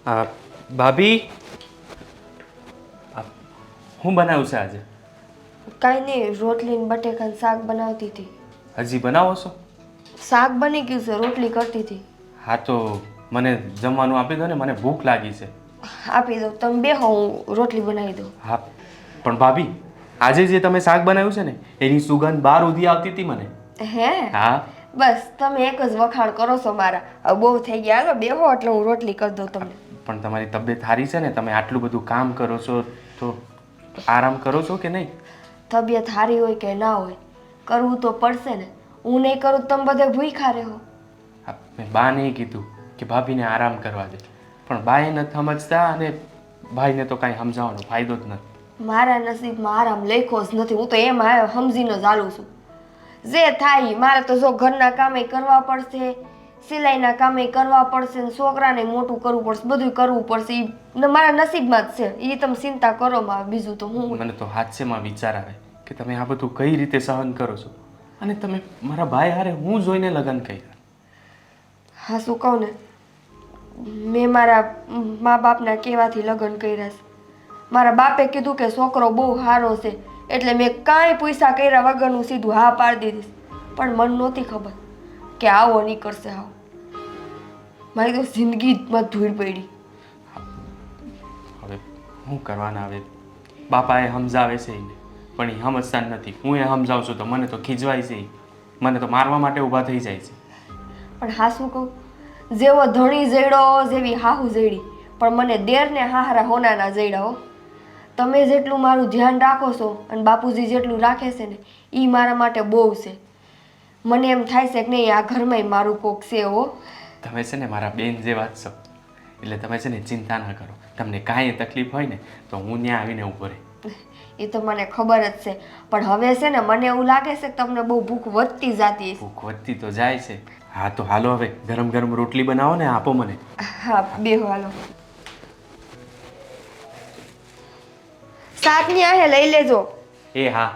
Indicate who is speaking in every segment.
Speaker 1: આ ભાભી હું બનાવ્યું છે આજે?
Speaker 2: કાંઈ નહીં, રોટલી ને બટેકાનું શાક બનાવતી હતી.
Speaker 1: હજી બનાવો છો?
Speaker 2: શાક બની ગયું છે, રોટલી કરતી હતી.
Speaker 1: હા તો મને જમવાનું આપી દો ને, મને ભૂખ લાગી છે.
Speaker 2: આપી દો, તમે બેહો, હું રોટલી બનાવી દઉં.
Speaker 1: હા પણ ભાભી, આજે જે તમે શાક બનાવ્યું છે ને એની સુગંધ બહાર ઉધી આવતી હતી મને.
Speaker 2: હે?
Speaker 1: હા.
Speaker 2: બસ તમે એક જ વખાણ કરો છો મારા. હવે બહુ થઈ ગયા, હાલો બેહો એટલે હું રોટલી કરી દઉં તમને.
Speaker 1: પણ તમારી તબિયત સારી છે ને? તમે આટલું બધું કામ કરો છો તો આરામ કરો છો કે નહીં?
Speaker 2: તબિયત સારી હોય કે ના હોય, કરવું તો પડશે ને. હું નહીં કરું તો તમે બધે ભૂખ્યા રહો.
Speaker 1: મેં બા નહીં કીધું કે ભાભીને આરામ કરવા દે, પણ બાએ નથી સમજતા અને ભાઈને તો કાંઈ સમજાવવાનો ફાયદો જ નથી.
Speaker 2: મારા નસીબમાં આરામ લખ્યો જ નથી. હું તો એમ સમજીને જ હાલું છું. જે થાય મારે તો જો ઘરના કામે કરવા પડશે, સિલાઈના કામે કરવા પડશે, ને છોકરાને મોટું કરવું પડશે, બધું કરવું પડશે. એ મારા નસીબમાં જ છે. એ તમે ચિંતા કરો માં, બીજું તો હું.
Speaker 1: મને તો હાસ્યમાં વિચાર આવે કે તમે આ બધું કઈ રીતે સહન કરો છો, અને તમે મારા ભાઈ હારે હું જોઈને લગ્ન કર્યા.
Speaker 2: હા શું કહું ને, મેં મારા મા બાપના કહેવાથી લગ્ન કર્યા છે. મારા બાપે કીધું કે છોકરો બહુ સારો છે, એટલે મેં કાંઈ પૈસા કર્યા વગરનું સીધું હા પાડી દીધી. પણ મને નહોતી ખબર કે આવો નીકળશે. આવો મારી તો જિંદગીમાં ધૂળ પડી.
Speaker 1: હવે શું કરવાના? હવે બાપાએ સમજાવે છે એને, પણ એ સમજતા નથી. હું એ સમજાવું છું તો મને તો ખીજવાય છે, મને તો મારવા માટે ઊભા થઈ જાય છે.
Speaker 2: પણ હા શું કહું, જેવો ધણી જડ્યો જેવી હાહુ જડી, પણ મને દેરને હાહરા હોનાના જડ્યા હો. તમે જેટલું મારું ધ્યાન રાખો છો અને બાપુજી જેટલું રાખે છે ને, એ મારા માટે બહુ છે. મને એમ થાય છે કે નહીં, આ ઘરમાં મારું કોક છે. હો,
Speaker 1: તમે છે ને મારા બેન જેવા જ છો, એટલે તમે છે ને ચિંતા ના કરો. તમને કાંઈ તકલીફ હોય ને તો હું ત્યાં આવીને ઊભો રહે.
Speaker 2: એ તો મને ખબર જ છે, પણ હવે છે ને મને એવું લાગે છે કે તમને બહુ ભૂખ વધતી જતી છે.
Speaker 1: ભૂખ વધતી તો જાય છે. હા તો હાલો, હવે ગરમ ગરમ રોટલી બનાવો ને આપો મને.
Speaker 2: હા બેહો, હાલો. શાકની આહે લઈ લેજો.
Speaker 1: એ હા.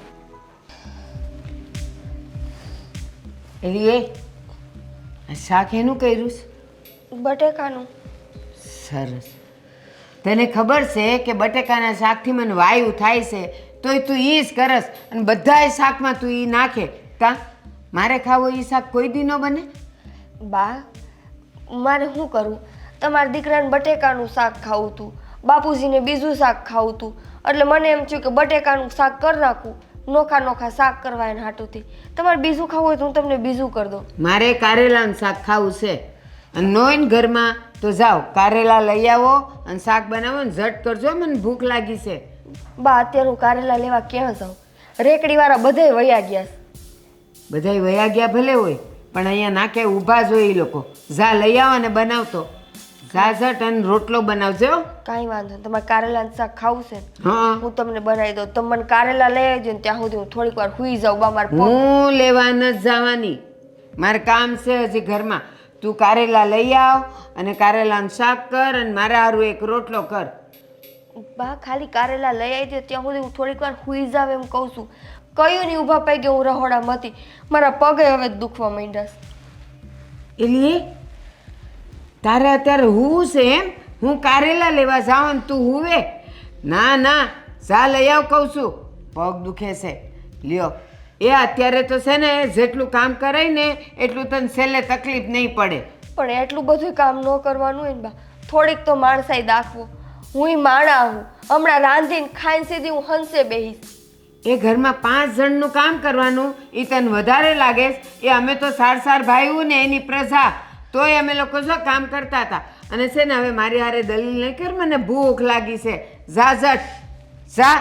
Speaker 3: એલી શાક એનું કર્યું છે?
Speaker 2: બટેકાનું.
Speaker 3: સરસ. તને ખબર છે કે બટેકાના શાકથી મને વાયુ થાય છે, તોય તું ઈ જ કરસ અને બધાય શાકમાં તું ઈ નાખે. કા મારે ખાવો ઈ શાક કોઈ દી ન બને?
Speaker 2: બા, મારે શું કરવું? તમારા દીકરાને બટેકાનું શાક ખાવું હતું, બાપુજીને બીજું શાક ખાવું હતું, એટલે મને એમ થયું કે બટેકાનું શાક કરી નાખું. નોખા નોખા શાક કરવા એના હાટુથી. તમારે બીજું ખાવું હોય તો હું તમને બીજું કરી દઉં.
Speaker 3: મારે કારેલાનું શાક ખાવું છે, અને નોઈન ઘરમાં તો જાઓ કારેલા લઈ આવો અને શાક બનાવો ને ઝટ કરજો, મને ભૂખ લાગી છે.
Speaker 2: બા, અત્યારે હું કારેલા લેવા ક્યાં જાઉં? રેકડીવાળા બધાય વયા ગયા છે.
Speaker 3: બધાય વયા ગયા ભલે હોય, પણ અહીંયા નાકે ઊભા જ હોય એ લોકો. જા લઈ આવો ને બનાવતો. જા ઝટ અને રોટલો બનાવજો.
Speaker 2: કાંઈ વાંધો નહીં. તમારે કારેલાનું શાક ખાવું છે?
Speaker 3: હા,
Speaker 2: હું તમને બનાવી દઉં. તમે મને કારેલા લઈ આવજો ને ત્યાં સુધી હું થોડીક વાર સુઈ જાઉં. બા, મારે
Speaker 3: હું લેવા ન જવાની, મારે કામ છે હજી ઘરમાં. તું કારેલા લઈ આવ અને કારેલાનું શાક કર અને મારા હારું એક રોટલો કર.
Speaker 2: બા, ખાલી કારેલા લઈ આવજો ત્યાં સુધી હું થોડીક વાર સુઈ જાવ એમ કહું છું. કયું નહીં ઊભા પડી ગયું, હું રહોડામાં હતી. મારા પગે હવે દુખવા માંડ્યા છે.
Speaker 3: એલી તારે અત્યારે હું છે એમ? હું કારેલા લેવા જાઉં ને તું હુવે? ના ના, જા લઈ આવ કહું છું. પગ દુખે છે. લ્યો, એ અત્યારે તો છે ને જેટલું કામ કરાય ને એટલું તને છેલ્લે તકલીફ નહીં પડે.
Speaker 2: પણ એટલું બધું કામ ન કરવાનું હોય ને બા. થોડીક તો માણસાઈ દાખવો. હું માણા હું હમણાં રાંધીને ખાઈને સીધી હું હંસે બેહીશ.
Speaker 3: એ ઘરમાં 5 જણનું કામ કરવાનું એ તને વધારે લાગે છે? એ અમે તો સાર ભાઈઓ ને એની પ્રજા, તોય અમે લોકો જો કામ કરતા હતા. અને છે ને હવે મારી હારે દલીલ નહીં કર, મને ભૂખ લાગી છે. જા ઝટ જા.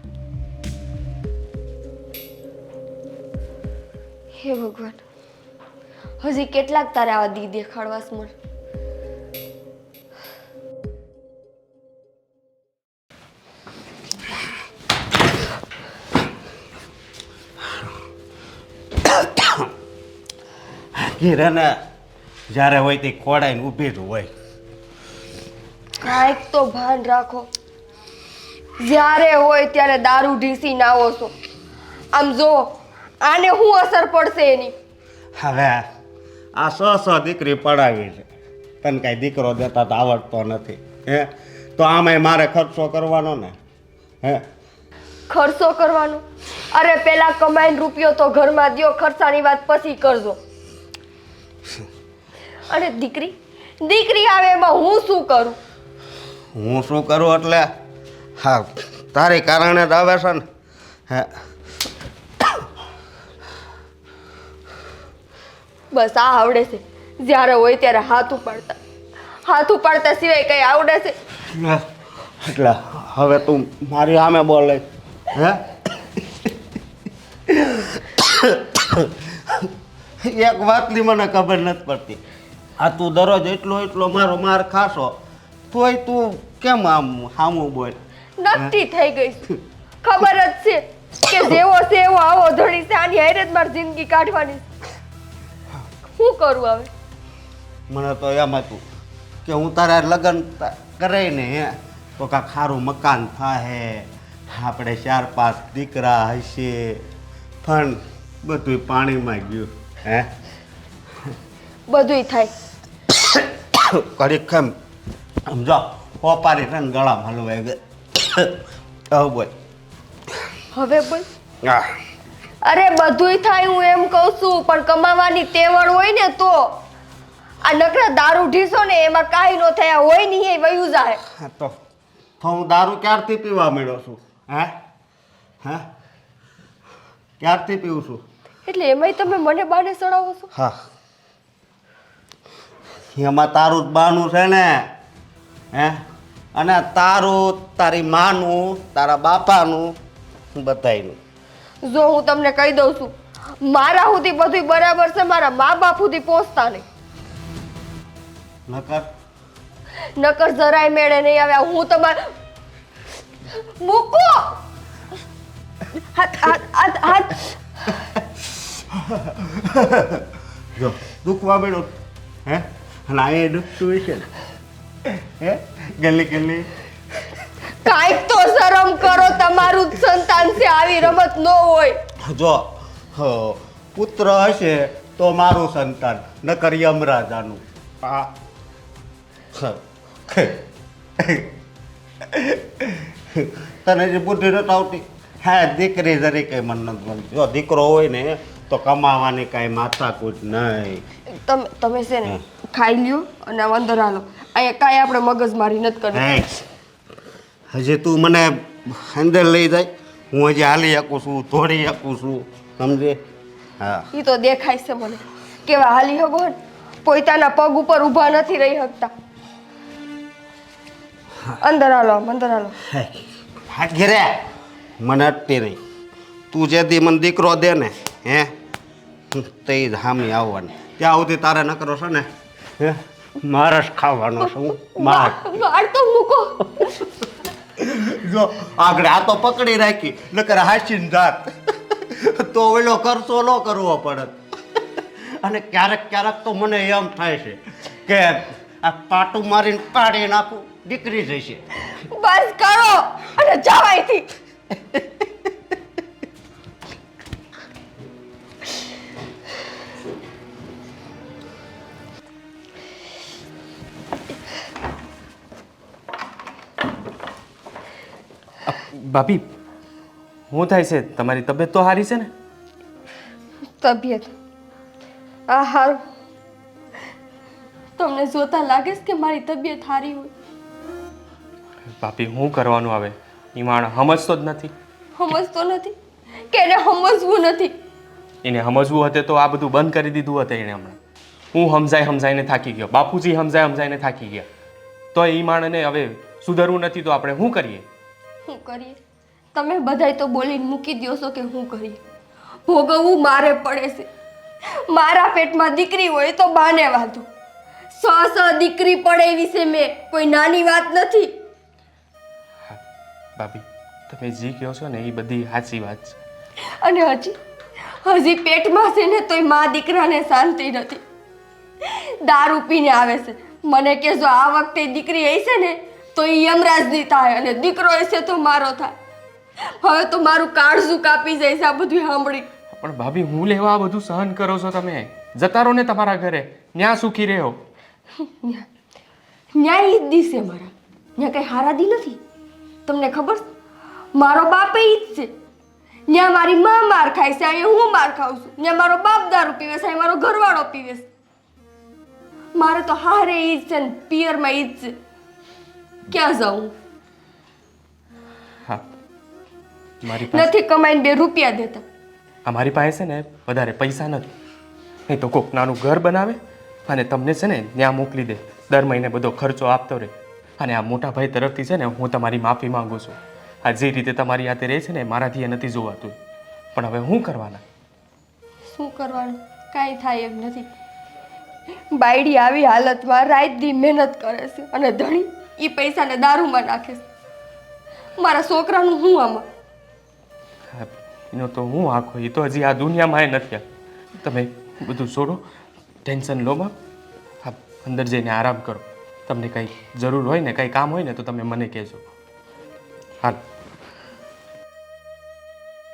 Speaker 2: હે ભગવાન, હજી કેટલાક તારે આવા દી દેખાડવાસ મને.
Speaker 4: કિરણ જ્યારે હોય તે ખોડાઈને ઊભી જ હોય.
Speaker 2: કાંઈક તો ભાન રાખો. જ્યારે હોય ત્યારે દારૂ ઢીસીને આવો છો. આમ જો, આને શું અસર પડશે એની?
Speaker 4: હવે આ સો દીકરી પડાવી છે, તને કાંઈ દીકરો દેતા તો આવડતો નથી હે તો આમાંય મારે ખર્ચો કરવાનો ને હે
Speaker 2: ખર્ચો કરવાનો? અરે પેલા કમાઈને રૂપિયો તો ઘરમાં દ્યો, ખર્ચાની વાત પછી કરજો. અને દીકરી આવે એમાં હું શું કરું?
Speaker 4: હું શું કરું એટલે હા તારી કારણે જ આવે છે ને હે
Speaker 2: બસ આ આવડે છે, જ્યારે હોય ત્યારે હાથ ઉપાડતા સિવાય કઈ આવડે છે?
Speaker 4: એટલે હવે તું મારી સામે બોલે હે એક વાતની મને ખબર નથી પડતી. આ તું દરરોજ એટલો મારો માર ખાશો તોય તું કેમ આમ સામું બોલ?
Speaker 2: નક્કી થઈ ગઈ છું. ખબર જ છે કે જેવો છે એવો આવો ધણી છે, આની હારે જ મારી જિંદગી કાઢવાની છે. શું કરું હવે?
Speaker 4: મને તો એમ હતું કે હું તારા લગ્ન કરે ને હે તો કાંક સારું મકાન થાહે, આપણે 4-5 દીકરા હશે, પણ બધું પાણીમાં ગયું હે
Speaker 2: બધુંય થાય.
Speaker 4: ઘડીક કેમ સમજો પોપારી છે ને ગળામાં હલવાઈ ગઈ. હવે બોલ
Speaker 2: હવે બોલ.
Speaker 4: હા
Speaker 2: અરે બધુંય થાય હું એમ કહું છું, પણ કમાવાની તેવડ હોય ને તો. આ નકરા દારૂ ઢીસો ને એમાં કાંઈ ન થયા હોય નહીં એ વયું જાય.
Speaker 4: તો હું દારૂ ક્યારથી પીવા માંડ્યો છું હે હે ક્યારથી પીવું છું?
Speaker 2: એટલે એમાંય તમે મને બાને સડાવો છો?
Speaker 4: હા એમાં તારું જ બાનું છે ને હે અને તારું તારી માનું તારા બાપાનું બધાયનું.
Speaker 2: જો હું તમને કહી દઉં છું, મારા સુધી બધું બરાબર છે, મારા મા બાપ સુધી પહોંચતા નહીં. નકર જરાય મેળે નહીં આવે. હું તમારે મૂકો હાથ.
Speaker 4: જો દુખવા બેડો હે અને આ દુખતું હશે ને હે ગલી
Speaker 2: કાંઈક તો શરમ કરો, તમારું જ સંતાન છે, આવી રમત ન હોય.
Speaker 4: જો પુત્ર હશે તો મારું સંતાન નકર યમરાજાનું. હા તને જે બુદ્ધિ નથી આવતી હા દીકરી તરીકે મને નથી ગમતી. જો દીકરો હોય ને તો કમાવાની કાંઈ માથાકૂટ નહીં.
Speaker 2: તમે છે ને ખાઈ લ્યો અને અંદર હાલો. અહીંયા કાંઈ આપણે મગજમારી નથી કરવી.
Speaker 4: હજી તું મને અંદર લઈ જાય, હું હજી હાલી શકું છું, દોડી શકું છું, સમજે? હા
Speaker 2: એ તો દેખાય છે મને કેવા હાલી હગો ને, પોતાના પગ ઉપર ઊભા નથી રહી શકતા. અંદર હાલો, અંદર હાલો.
Speaker 4: ઘેરે મને અટતી નહીં. તું જે દી મને દીકરો દે ને હે તે જ હામી આવવાની. ત્યાં સુધી તારે નકરો છે ને હે મારે જ ખાવાનો છું. માર
Speaker 2: વાળ તો મૂકો.
Speaker 4: જો આગળ આ તો પકડી રાખી નકર હાસીને જાત તો ઓલો ખર્ચો ન કરવો પડે. અને ક્યારેક તો મને એમ થાય છે કે આ પાટું મારીને પાડી નાખું, દીકરી જશે.
Speaker 2: બસ કરો અને જાવ અહીંથી.
Speaker 1: ભાભી શું થાય છે? તમારી તબિયત તો સારી છે ને?
Speaker 2: તબિયત આ હારું. તમને જોતા લાગે છે કે મારી તબિયત સારી હોય?
Speaker 1: ભાભી શું કરવાનું આવે? એ માણસ સમજતો જ નથી.
Speaker 2: સમજતો નથી કે એને સમજવું નથી?
Speaker 1: એને સમજવું હતું તો આ બધું બંધ કરી દીધું હતું એને હમણાં. હું સમજાઈને થાકી ગયો, બાપુજી સમજાઈને થાકી ગયા, તો એ માણસને હવે સુધરવું નથી તો આપણે શું કરીએ?
Speaker 2: શું કરીએ? તમે બધાય તો બોલીને મૂકી દો છો કે શું કરીએ. ભોગવવું મારે પડે છે. મારા પેટમાં દીકરી હોય તો બાને વાંધો, દીકરી પડે એવી છે મેં, કોઈ નાની વાત નથી.
Speaker 1: ભાભી તમે જે કહો છો ને એ બધી સાચી વાત છે.
Speaker 2: અને હજી પેટમાં છે ને તોય મા દીકરાને શાંતિ નથી. દારૂ પીને આવે છે. મને કે જો આ વખતે દીકરી હશે ને તો એ યમરાજની થાય અને દીકરો હશે તો મારો થાય. હવે તો મારું કાળજું કાપી જાય છે આ બધું સાંભળી.
Speaker 1: પણ ભાભી હું લેવા આ બધું સહન કરો છો તમે? જતા રહો ને તમારા ઘરે, ત્યાં સુખી રહ્યો.
Speaker 2: ન્યાય ઈ જ દિશે મારા, ત્યાં કંઈ હારા દી નથી. તમને ખબર છે? મારો બાપ ઈ જ છે. ત્યાં મારી માં માર ખાય છે, અહીંયા હું માર ખાઉં છું. ત્યાં મારો બાપ દારૂ પીવે છે, અહીંયા મારો ઘરવાળો પીવે છે. મારે તો હારે ઈ જ છે ને પિયરમાં ઈ જ છે. ક્યાં જાઉં?
Speaker 1: હા, મારી પાસે
Speaker 2: નથી કમાઈને 2 રૂપિયા દેતા.
Speaker 1: અમારી પાસે છે ને વધારે પૈસા નથી, નહીં તો કોક નાનું ઘર બનાવે અને તમને છે ને ત્યાં મોકલી દે, દર મહિને બધો ખર્ચો આપતો રહે. અને આ મોટા ભાઈ તરફથી છે ને હું તમારી માફી માંગુ છું. આ જે રીતે તમારી હાથે રહે છે ને મારાથી એ નથી જોવાતું, પણ હવે શું કરવાના?
Speaker 2: શું કરવાનું? કાંઈ થાય એમ નથી. બાયડી આવી હાલતમાં રાત દી મહેનત કરે છે અને ધણી એ પૈસાને દારૂમાં નાખે છે. મારા છોકરાનું હું આમાં?
Speaker 1: હા, એનો તો હું આખો, એ તો હજી આ દુનિયામાં એ નથી. તમે બધું છોડો, ટેન્શન લો માં. હા, અંદર જઈને આરામ કરો. તમને કંઈ જરૂર હોય ને કંઈ કામ હોય ને તો તમે મને કહેજો. હાલ.